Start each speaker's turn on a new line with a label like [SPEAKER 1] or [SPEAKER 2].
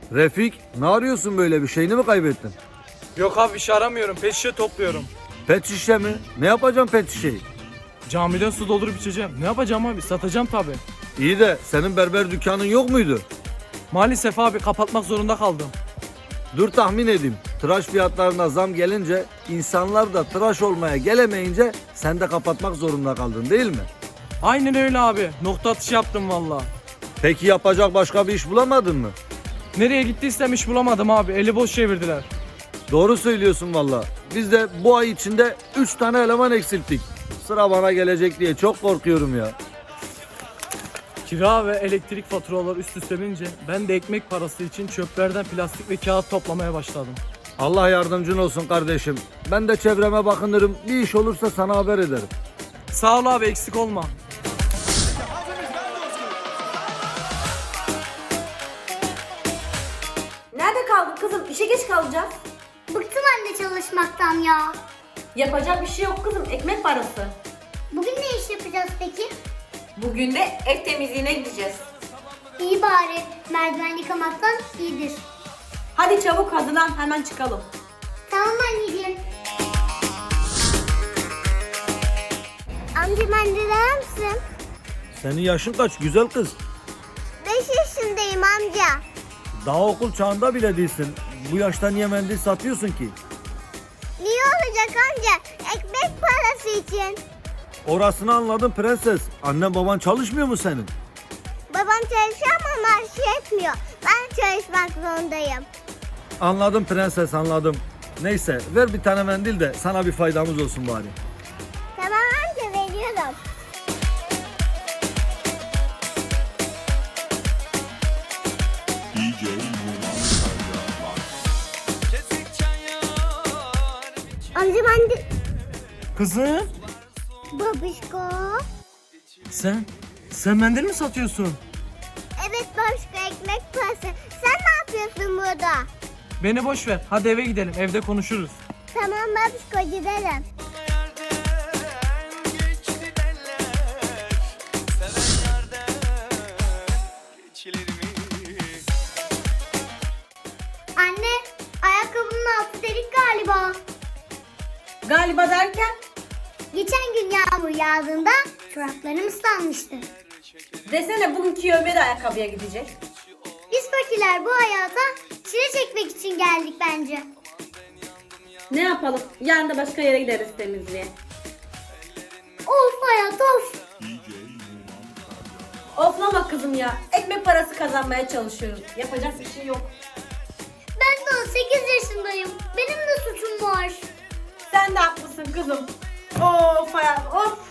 [SPEAKER 1] Refik, ne arıyorsun böyle, bir şeyini mi kaybettin?
[SPEAKER 2] Yok abi, bir şey aramıyorum. Pet şişe topluyorum.
[SPEAKER 1] Pet şişe mi? Ne yapacağım pet şişeyi?
[SPEAKER 2] Camiden su doldurup içeceğim. Ne yapacağım abi? Satacağım tabi.
[SPEAKER 1] İyi de senin berber dükkanın yok muydu?
[SPEAKER 2] Maalesef abi, kapatmak zorunda kaldım.
[SPEAKER 1] Dur tahmin edeyim. Tıraş fiyatlarına zam gelince, insanlar da tıraş olmaya gelemeyince sen de kapatmak zorunda kaldın değil mi?
[SPEAKER 2] Aynen öyle abi. Nokta atışı yaptım valla.
[SPEAKER 1] Peki yapacak başka bir iş bulamadın mı?
[SPEAKER 2] Nereye gittiysem iş bulamadım abi. Eli boş çevirdiler.
[SPEAKER 1] Doğru söylüyorsun valla. Biz de bu ay içinde 3 tane eleman eksilttik. Sıra bana gelecek diye çok korkuyorum ya.
[SPEAKER 2] Kira ve elektrik faturaları üst üste binince ben de ekmek parası için çöplerden plastik ve kağıt toplamaya başladım.
[SPEAKER 1] Allah yardımcın olsun kardeşim. Ben de çevreme bakınırım. Bir iş olursa sana haber ederim.
[SPEAKER 2] Sağ ol abi, eksik olma.
[SPEAKER 3] Nerede kaldın kızım? İşe geç kalacağız.
[SPEAKER 4] Bıktım anne çalışmaktan ya.
[SPEAKER 3] Yapacak bir şey yok kızım. Ekmek parası.
[SPEAKER 4] Bugün ne iş yapacağız peki?
[SPEAKER 3] Bugün de ev temizliğine gideceğiz.
[SPEAKER 4] İyi bari. Merdiven yıkamaktan iyidir.
[SPEAKER 3] Hadi çabuk hazırlan, hemen çıkalım.
[SPEAKER 4] Tamam anneciğim. Amca mendil arar mısın?
[SPEAKER 1] Senin yaşın kaç güzel kız?
[SPEAKER 4] 5 yaşındayım amca.
[SPEAKER 1] Daha okul çağında bile değilsin. Bu yaşta niye mendil satıyorsun ki?
[SPEAKER 4] Niye olacak amca? Ekmek parası için.
[SPEAKER 1] Orasını anladım prenses. Annen baban çalışmıyor mu senin?
[SPEAKER 4] Babam çalışıyor ama maaşı yetmiyor. Ben çalışmak zorundayım.
[SPEAKER 1] Anladım prenses, anladım. Neyse ver bir tane mendil de sana bir faydamız olsun bari.
[SPEAKER 4] Tamam amca, veriyorum.
[SPEAKER 5] DJ Numan
[SPEAKER 4] Amca mendil.
[SPEAKER 2] Kızım,
[SPEAKER 4] Babişko.
[SPEAKER 2] sen mendil mi satıyorsun?
[SPEAKER 4] Evet babişko, ekmek parası. Sen ne yapıyorsun burada?
[SPEAKER 2] Beni boş ver. Hadi eve gidelim. Evde konuşuruz.
[SPEAKER 4] Tamam babişko, gidelim. Anne, ayakkabının altı delik galiba.
[SPEAKER 3] Galiba derken?
[SPEAKER 4] Geçen gün yağmur yağdığında çoraplarım ıslanmıştı.
[SPEAKER 3] Desene bugünkü Ömer de ayakkabıya gidecek.
[SPEAKER 4] Biz fakirler bu hayata çile çekmek için geldik bence.
[SPEAKER 3] Ne yapalım? Yarın da başka yere gideriz temizliğe.
[SPEAKER 4] Of hayat of.
[SPEAKER 3] Oflama kızım ya. Ekmek parası kazanmaya çalışıyoruz. Yapacak bir şey yok.
[SPEAKER 4] Ben de 18 yaşındayım. Benim de suçum var.
[SPEAKER 3] Sen de haklısın kızım. Of hayat of.